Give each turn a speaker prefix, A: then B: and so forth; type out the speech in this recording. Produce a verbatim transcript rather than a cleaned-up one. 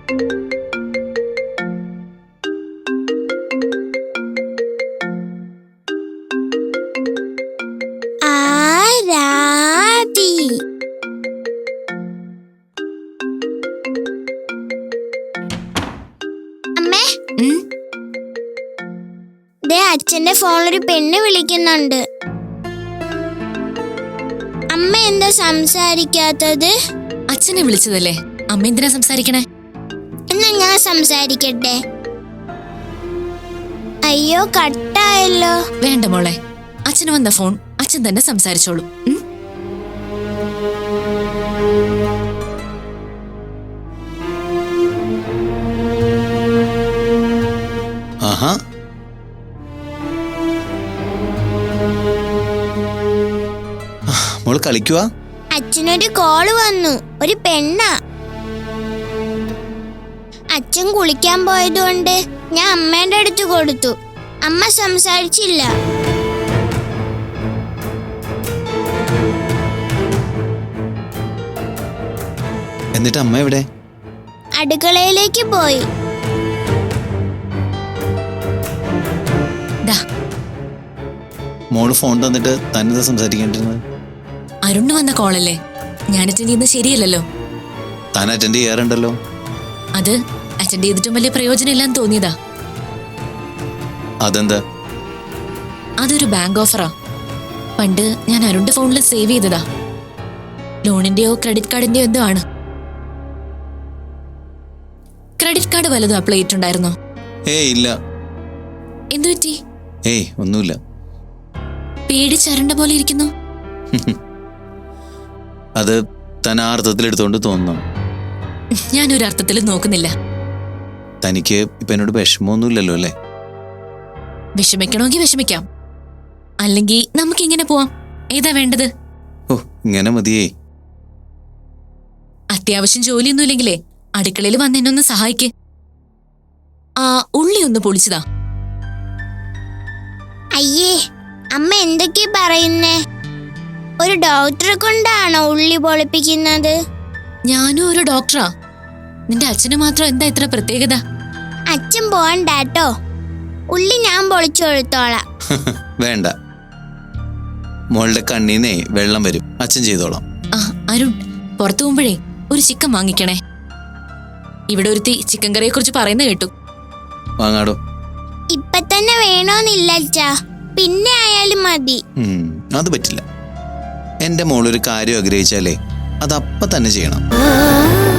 A: ആരാധി. അമ്മേ, ദേ അച്ഛന്റെ ഫോണിലൊരു പെണ്ണ് വിളിക്കുന്നുണ്ട്. അമ്മ എന്താ സംസാരിക്കാത്തത്?
B: അച്ഛനെ വിളിച്ചതല്ലേ, അമ്മ എന്തിനാ സംസാരിക്കണേ?
A: എന്നാ ഞാൻ സംസാരിക്കട്ടെ. അയ്യോ, കട്ടായല്ലോ.
B: വേണ്ട മോളെ, അച്ഛന് വന്ന ഫോൺ അച്ഛൻ തന്നെ സംസാരിച്ചോളൂ.
C: ആഹാ, മോള് കളിക്കുവാ?
A: അച്ഛനൊരു കോള് വന്നു, ഒരു പെണ്ണാ. അച്ഛൻ കുളിക്കാൻ പോയതുകൊണ്ട് ഞാൻ അമ്മേന്റെ അടുത്ത് കൊടുത്തു. അമ്മ സംസാരിച്ചില്ല.
C: എന്നിട്ട് അമ്മ എവിടെ?
A: അടുക്കളയിലേക്ക് പോയി.
C: മോള് ഫോൺ തന്നിട്ട് തന്നെ സംസാരിക്കേണ്ടിരുന്നത്?
B: അരുണ് വന്ന കോളല്ലേ, ഞാൻ അറ്റൻഡ് ചെയ്യുന്നത് ശരിയല്ലല്ലോ.
C: താൻ അറ്റൻഡ് ചെയ്യാറുണ്ടല്ലോ.
B: അത് അറ്റൻഡ് ചെയ്തിട്ടും വലിയ പ്രയോജനം ഇല്ലാന്ന് തോന്നിയതാ.
C: അതെന്താ?
B: അതൊരു ബാങ്ക് ഓഫറാ. പണ്ട് ഞാൻ അരുണിന്റെ ഫോണിൽ സേവ് ചെയ്തതാ. ലോണിന്റെയോ ക്രെഡിറ്റ് കാർഡിന്റെയോ എന്തോ ആണ്. ക്രെഡിറ്റ് കാർഡ് വല്ലതും അപ്ലൈ ചെയ്തിട്ടുണ്ടായിരുന്നോ?
C: ഏയ് ഇല്ല.
B: എന്തു പറ്റി?
C: ഏയ് ഒന്നുമില്ല.
B: പേടിച്ചരണ്ട പോലെ ഇരിക്കുന്നു.
C: അത് താൻ ആ അർത്ഥത്തിൽ എടുത്തോണ്ട് തോന്നുന്നു.
B: ഞാനൊരു അർത്ഥത്തിൽ നോക്കുന്നില്ല.
C: തനിക്ക് ഇപ്പൊ എന്നോട് വിഷമമൊന്നുമില്ലല്ലോ അല്ലേ?
B: വിഷമിക്കണമെങ്കിൽ വിഷമിക്കാം, അല്ലെങ്കിൽ നമുക്ക് ഇങ്ങനെ പോവാം. ഏതാ വേണ്ടത്?
C: ഓ, ഇങ്ങനെ മതിയേ.
B: അത്യാവശ്യം ജോലിയൊന്നും ഇല്ലെങ്കിലേ അടുക്കളയിൽ വന്ന് എന്നൊന്ന് സഹായിക്ക്. ആ ഉള്ളി ഒന്ന് പൊളിച്ചതാ.
A: അയ്യേ, അമ്മ എന്തൊക്കെയാ പറയുന്നേ? ഒരു ഡോക്ടറെ കൊണ്ടാണോ ഉള്ളി പൊളിപ്പിക്കുന്നത്?
B: ഞാനും ഒരു ഡോക്ടറാ. നിന്റെ അച്ഛന് മാത്രം എന്താ ഇത്ര പ്രത്യേകത?
A: അച്ഛൻ പോകണ്ടാട്ടോ, ഉള്ളി ഞാൻ പൊളിച്ചു കൊടുത്തോളാം.
C: വേണ്ട, മോളുടെ കണ്ണീന്നേ വെള്ളം വരും. അച്ഛൻ ചെയ്തോളാം.
B: ആ അരുൺ, പുറത്തു പോകുമ്പോഴേ ഒരു ചിക്കൻ വാങ്ങിക്കണേ. ഇവിടെ ഒരുത്തി ചിക്കൻ കറിയെ കുറിച്ച് പറയുന്ന കേട്ടു.
C: വാങ്ങാടോ.
A: ഇപ്പൊ തന്നെ വേണോന്നില്ല അച്ഛാ, പിന്നെ ആയാലും മതി.
C: അത് പറ്റില്ല. എന്റെ മോളൊരു കാര്യം ആഗ്രഹിച്ചാലേ അതപ്പ തന്നെ ചെയ്യണം.